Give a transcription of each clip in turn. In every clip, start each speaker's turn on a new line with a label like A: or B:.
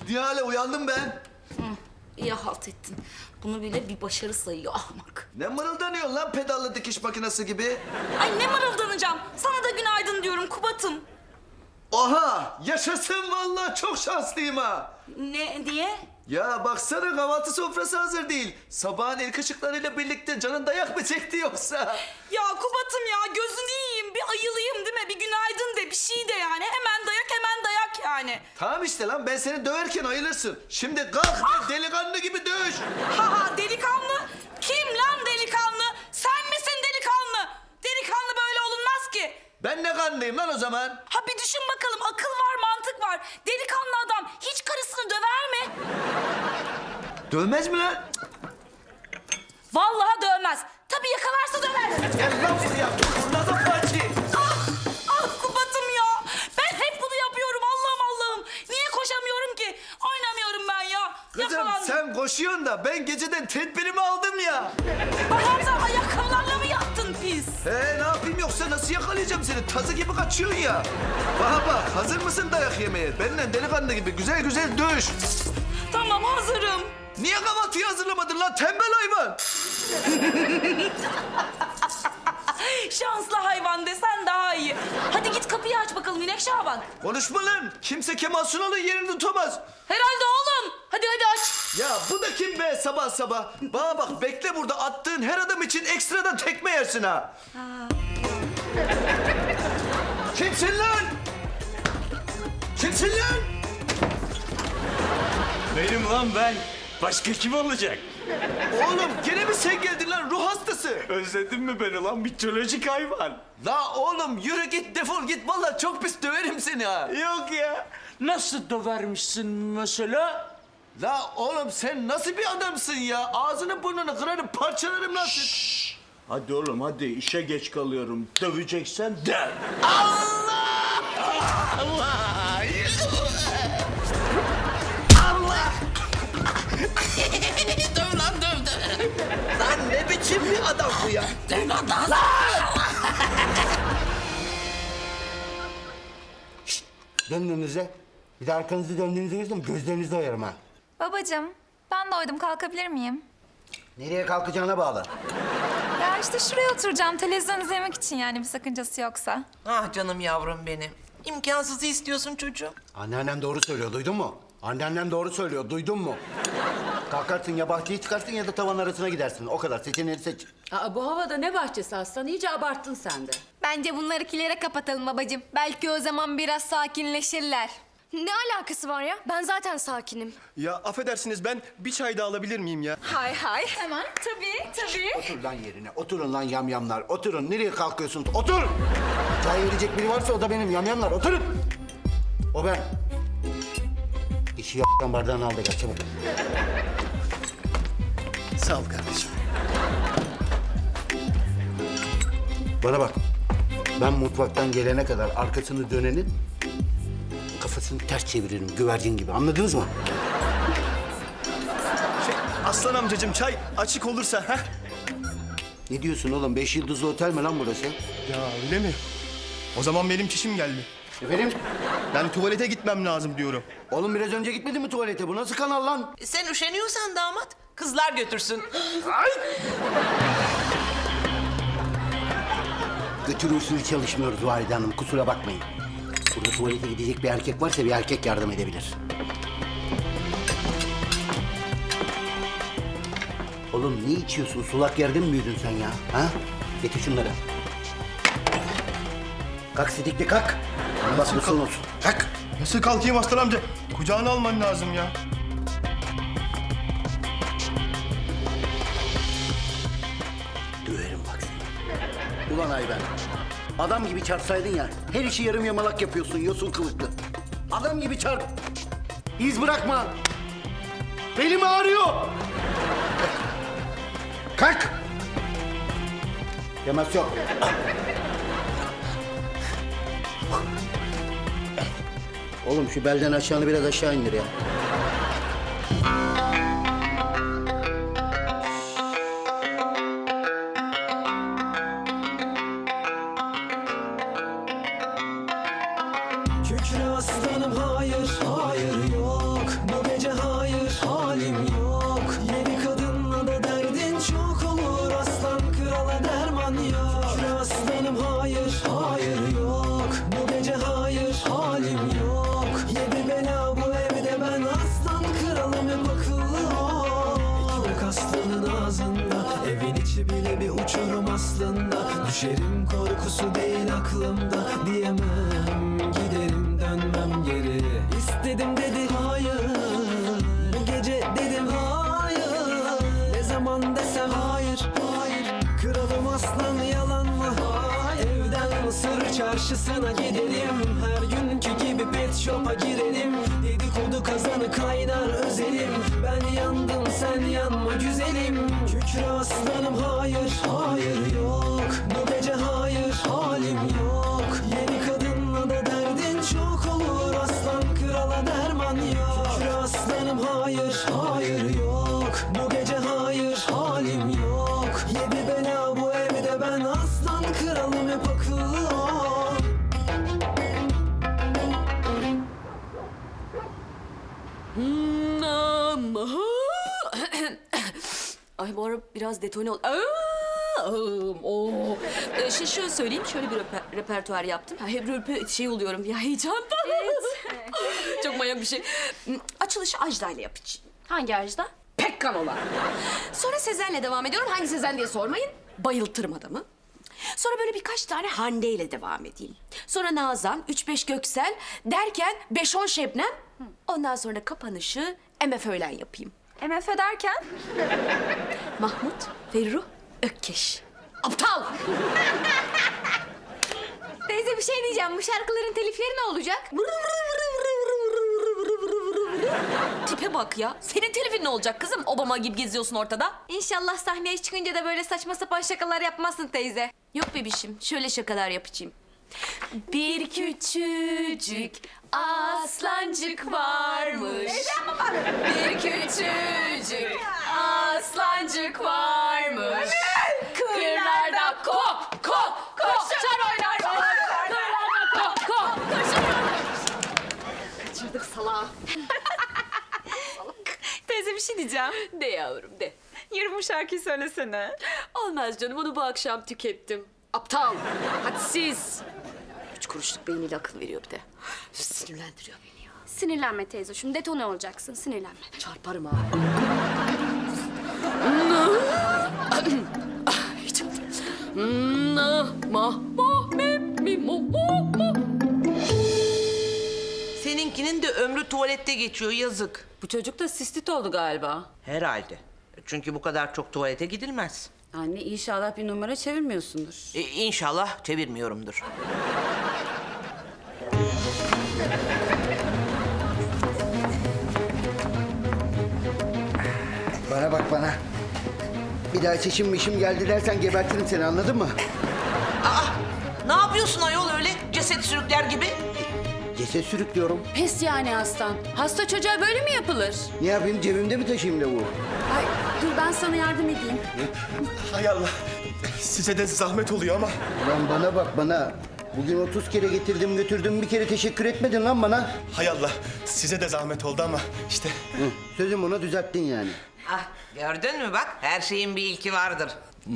A: Nihale uyandım ben.
B: İyi halt ettin. Bunu bile bir başarı sayıyor ahmak.
A: Ne mırıldanıyorsun lan pedallı dikiş makinesi gibi?
B: Ay ne mırıldanacağım. Sana da günaydın diyorum Kubat'ım.
A: Oha! Yaşasın vallahi çok şanslıyım ha.
B: Ne diye?
A: Ya baksana kahvaltı sofrası hazır değil. Sabahın ilk ışıklarıyla birlikte canın dayak mı çekti yoksa?
B: Ya Kubat'ım ya gözünü yiyeyim. Bir ayılayım değil mi? Bir günaydın de bir şey de yani. Hemen dayak yani.
A: Tamam işte lan ben seni döverken ayılırsın. Şimdi kalk delikanlı gibi dövüş.
B: Ha delikanlı. Kim lan delikanlı? Sen misin delikanlı? Delikanlı böyle olunmaz ki.
A: Ben ne kanlıyım lan o zaman?
B: Ha bir düşün bakalım akıl var mantık var. Delikanlı adam hiç karısını döver mi?
A: Dövmez mi lan?
B: Vallahi dövmez. Tabii yakalarsa döver.
A: Gel lan buraya. Fırladım bacı.
B: Ah Kubat'ım ya. Ben hep bunu yapıyorum Allah'ım. Niye koşamıyorum ki? Oynamıyorum ben ya.
A: Kızım
B: Yakalandım.
A: sen koşuyorsun da ben geceden tedbirimi aldım ya.
B: Allah'ım sen ayakkabılarla mı yattın pis?
A: Ne yapayım yoksa nasıl yakalayacağım seni? Tazı gibi kaçıyorsun ya. Bak hazır mısın dayak yemeye? Benimle delikanlı gibi güzel güzel dövüş.
B: Tamam hazırım.
A: Niye kahvaltıyı hazırlamadın lan tembel hayvan?
B: Şanslı hayvan desen daha iyi. Hadi git kapıyı aç bakalım İnek Şaban.
A: Konuşma lan. Kimse Kemal Sunal'ın yerini tutamaz.
B: Herhalde oğlum. Hadi aç.
A: Ya bu da kim be sabah sabah? Bana bak bekle burada attığın her adam için ekstradan tekme yersin ha. Kimsin lan? Kimsin lan?
C: Benim lan ben. Başka kim olacak?
A: Oğlum gene mi sen geldin lan ruh hastası?
C: Özledin mi beni lan mitolojik hayvan?
A: La oğlum yürü git defol git vallahi çok pis döverim seni ha.
C: Yok ya. Nasıl dövermişsin mesela?
A: La oğlum sen nasıl bir adamsın ya? Ağzını burnunu kırarım parçalarım lan seni.
C: Hadi oğlum hadi işe geç kalıyorum. Döveceksen döv.
A: Döv lan döv. Lan ne biçim bir adam bu ya?
B: Dön lan daha.
D: Döndüğünüzde, bir de arkanızı döndüğünüzde görsem gözlerinizi oyarım ha.
E: Babacığım, ben doydum. Kalkabilir miyim?
D: Nereye kalkacağına bağlı.
E: Ya işte şuraya oturacağım. Televizyon izlemek için yani bir sakıncası yoksa.
F: Ah canım yavrum benim. İmkansızı istiyorsun çocuğum.
D: Anneannem doğru söylüyor, duydun mu? Anneannem doğru söylüyor, duydun mu? Kalkarsın ya bahçeye çıkarsın ya da tavan arasına gidersin. O kadar, seçeneğini seç.
G: Aa, bu havada ne bahçesi aslan? İyice abarttın sen de.
H: Bence bunları kilere kapatalım babacığım. Belki o zaman biraz sakinleşirler. Ne alakası var ya? Ben zaten sakinim.
I: Ya affedersiniz ben bir çay daha alabilir miyim ya?
H: Hay hay. Hemen. Tabii.
D: Otur lan yerine, oturun lan yamyamlar. Oturun, nereye kalkıyorsunuz? Otur! Çay verecek biri varsa o da benim yamyamlar, oturun! O ben. İşi y***dan bardağını al da gel çabuk.
I: Sağ ol kardeşim.
D: Bana bak, ben mutfaktan gelene kadar arkasını dönenin kafasını ters çeviririm güvercin gibi. Anladınız mı?
I: Aslan amcacığım çay açık olursa ha?
D: Ne diyorsun oğlum? 5 yıldızlı otel mi lan burası?
I: Ya öyle mi? O zaman benim çişim geldi.
D: Efendim?
I: Ben tuvalete gitmem lazım diyorum.
D: Oğlum biraz önce gitmedin mi tuvalete? Bu nasıl kanal lan?
F: Sen üşeniyorsan damat kızlar götürsün.
D: Götür usulü çalışmıyoruz Valide Hanım. Kusura bakmayın. Burada tuvalete gidecek bir erkek varsa bir erkek yardım edebilir. Oğlum ne içiyorsun? Sulak yerde mi büyüdün sen ya? Ha? Getir şunları. Kalk Sidikli kalk. Bak nasıl olsun. Kalk.
I: Nasıl kalkayım aslan amca? Kucağına alman lazım ya.
D: Döverim bak seni. Ulan Ayben. Adam gibi çarpsaydın ya. Her işi yarım yamalak yapıyorsun yosun kılıklı. Adam gibi çarp. İz bırakma. Belim ağrıyor. Kalk. Temas yok. Oğlum şu belden aşağını biraz aşağı indir ya.
J: Kükre aslanım hayır, hayır yok. Düşerim korkusu değil aklımda, diyemem giderim dönmem geri. İstedim dedi hayır, bu gece dedim hayır. Ne zaman desem hayır, hayır. Kralım aslan yalan mı? Evden Mısır çarşısına gidelim, her günkü gibi pet shop'a girelim. Dedikodu kazanı kaynar özelim, ben yandım sen yanma güzelim. Kükre aslanım hayır, hayır yok. Bu gece hayır, halim yok. Yeni kadınla da derdin çok olur, aslan krala derman yok. Kükre aslanım hayır, hayır yok. Bu gece hayır, halim yok. Yedi bela bu evde, ben aslan kralım hep akıllı ol.
G: Ay bu ara biraz detone ol. Şöyle söyleyeyim, şöyle bir repertuar yaptım. Hep şey oluyorum ya, heyecandan. Çok manyak bir şey. Açılışı Ajda ile yapacağım.
H: Hangi Ajda?
G: Pekkan olan. Sonra Sezen'le devam ediyorum. Hangi Sezen diye sormayın. Bayıltırım adamı. Sonra böyle birkaç tane Hande ile devam edeyim. Sonra Nazan, 3-5 Göksel derken 5-10 Şebnem. Ondan sonra kapanışı MF Öğlen yapayım.
E: MF derken?
G: Mahmut, Ferruh, Ökkeş. Aptal!
H: Teyze bir şey diyeceğim. Bu şarkıların telifleri ne olacak?
G: Tipe bak ya. Senin telifin ne olacak kızım? Obama gibi geziyorsun ortada.
H: İnşallah sahneye çıkınca da böyle saçma sapan şakalar yapmazsın teyze.
G: Yok bebişim, şöyle şakalar yapacağım. Bir küçücük aslancık varmış. Bir küçücük aslancık varmış. Kırlarda kop kop koşar oynar. Kırlarda kop kop koşar. Kaçırdık salağı.
E: Teyze bir şey diyeceğim.
G: De yavrum de.
E: Yarın bu şarkıyı söylesene.
G: Olmaz canım, onu bu akşam tükettim. Aptal, hadsiz. 3 kuruşluk beyniyle akıl veriyor bir de. Sinirlendiriyor beni ya.
H: Sinirlenme teyze. Şimdi detone olacaksın. Sinirlenme.
G: Çarparım ha.
F: Seninkinin de ömrü tuvalette geçiyor, yazık.
G: Bu çocuk da sistit oldu galiba.
F: Herhalde. Çünkü bu kadar çok tuvalete gidilmez.
G: Anne inşallah bir numara çevirmiyorsundur.
F: İnşallah çevirmiyorumdur.
D: Bana bak bana. Bir daha çişim geldi dersen gebertirim seni, anladın mı?
F: Ne yapıyorsun ayol öyle ceset sürükler gibi?
D: Ceset sürüklüyorum.
G: Pes yani aslan. Hasta çocuğa böyle mi yapılır?
D: Ne yapayım, cebimde mi taşıyayım lavuğu?
G: Ay dur ben sana yardım edeyim.
I: Hay Allah. Size de zahmet oluyor ama.
D: Lan bana bak bana. Bugün 30 kere getirdim götürdüm, bir kere teşekkür etmedin lan bana.
I: Hay Allah. Size de zahmet oldu ama işte.
D: Hı, sözüm ona düzelttin yani.
F: Ah, gördün mü bak, her şeyin bir ilki vardır.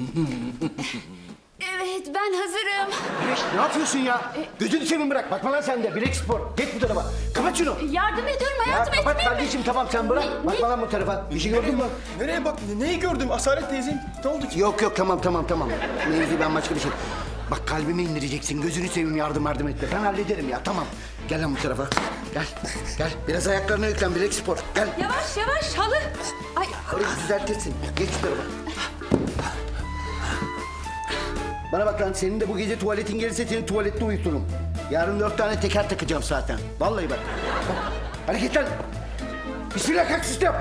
H: Evet ben hazırım.
D: Güneş ne yapıyorsun ya? Gözünü seveyim bırak. Bakma lan sen de. Bilek spor. Geç bu tarafa. Kapat şunu.
H: Yardım ediyorum
D: Ya
H: hayatım,
D: kapat
H: etmeyeyim mi?
D: kardeşim, tamam sen bırak. Bakma lan bu tarafa. Bir şey gördün mü?
I: Nereye bak? Neyi gördüm? Asalet teyzem. Ne oldu ki?
D: Yok tamam. Mevzu ben başka bir şey. Bak kalbimi indireceksin. Gözünü seveyim, yardım etme. Ben hallederim ya, tamam. Gel lan bu tarafa. Gel. Biraz ayaklarına yüklen, bilek spor. Gel.
G: Yavaş halı. Ay
D: Orayı düzeltirsin. Geç şu tarafa. Bana bak lan, senin de bu gece tuvaletin gelirse seni tuvalette uyuturum. Yarın 4 tane teker takacağım zaten. Vallahi bak. Hareket lan. Bismillah, kalk sistem.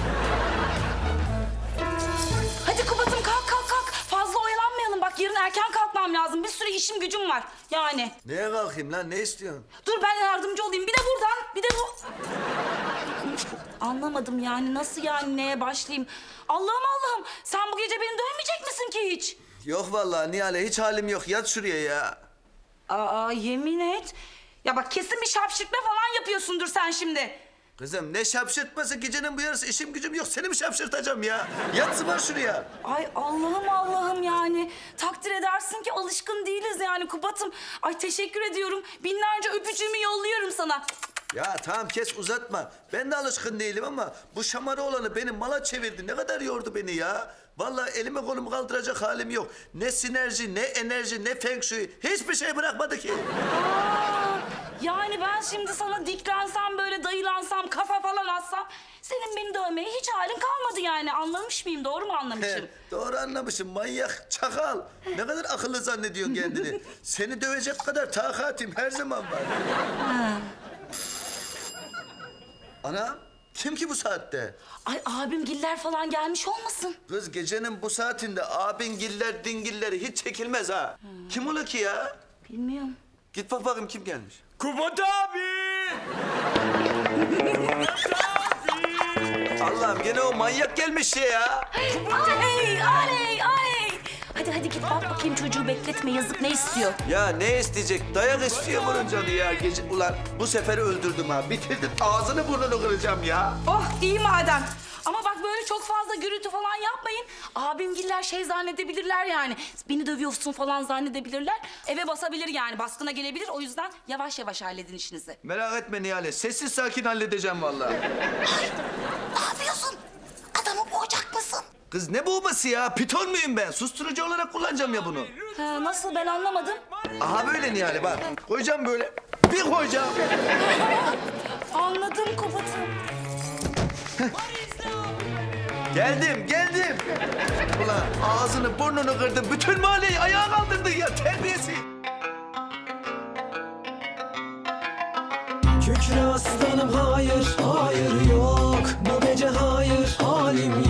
B: Hadi Kubat'ım kalk. Fazla oyalanmayalım. Bak yarın erken kalkmam lazım. Bir sürü işim gücüm var. Yani.
A: Neye kalkayım lan? Ne istiyorsun?
B: Dur ben yardımcı olayım. Bir de buradan, bir de bu. Anlamadım yani. Nasıl yani, neye başlayayım? Allah'ım. Sen bu gece beni dövmeyecek misin ki hiç?
A: Yok vallahi Nihale, hiç halim yok. Yat şuraya ya.
B: Aa yemin et. Ya bak kesin bir şapşırtma falan yapıyorsundur sen şimdi.
A: Kızım ne şapşırtması, gecenin bu yarısı işim gücüm yok. Seni mi şapşırtacağım ya? Yat zıbar şuraya.
B: Ay Allah'ım yani. Takdir edersin ki alışkın değiliz yani Kubat'ım. Ay teşekkür ediyorum. Binlerce öpücüğümü yolluyorum sana.
A: Ya tamam kes, uzatma. Ben de alışkın değilim ama bu şamarı olanı benim mala çevirdi. Ne kadar yordu beni ya. Vallahi elimi kolumu kaldıracak halim yok. Ne sinerji, ne enerji, ne feng shui. Hiçbir şey bırakmadı ki.
B: Yani ben şimdi sana diklensem böyle dayılansam kafa falan atsam senin beni dövmeye hiç halin kalmadı yani. Anlamış mıyım? Doğru mu anlamışım?
A: Doğru anlamışım manyak, çakal. Ne kadar akıllı zannediyorsun kendini. Seni dövecek kadar takatim her zaman var. Ana, kim ki bu saatte?
B: Ay abimgiller falan gelmiş olmasın?
A: Kız gecenin bu saatinde abingiller, dingilleri hiç çekilmez ha. Kim ola ki ya?
B: Bilmiyorum.
A: Git bak bakayım kim gelmiş.
C: Kubat abi!
A: Allah'ım gene o manyak gelmiş ya.
B: Ay. Hadi git bak bakayım çocuğu bekletme yazık ne istiyor?
A: Ya ne isteyecek? Dayak istiyor bunun canı ya. Gece... Ulan bu sefer öldürdüm ha. Bitirdim. Ağzını burnunu kıracağım ya.
B: Oh iyi madem. Ama bak böyle çok fazla gürültü falan yapmayın. Abimgiller şey zannedebilirler yani. Beni dövüyorsun falan zannedebilirler. Eve basabilir yani baskına gelebilir. O yüzden yavaş yavaş halledin işinizi.
A: Merak etme Nihale. Sessiz sakin halledeceğim vallahi.
B: Ne yapıyorsun? Adamı boğacak mısın?
A: Kız ne boğması ya? Piton muyum ben? Susturucu olarak kullanacağım ya bunu.
B: Ha, nasıl ben anlamadım.
A: Aha böyle Nihale bak. Koyacağım böyle. Bir koyacağım.
B: Anladım Kubat'ım.
A: Geldim. Ulan ağzını burnunu kırdın. Bütün mahalleyi ayağa kaldırdın ya. Terbiyesiz.
J: Kükre aslanım hayır, hayır yok. Bu gece hayır, halim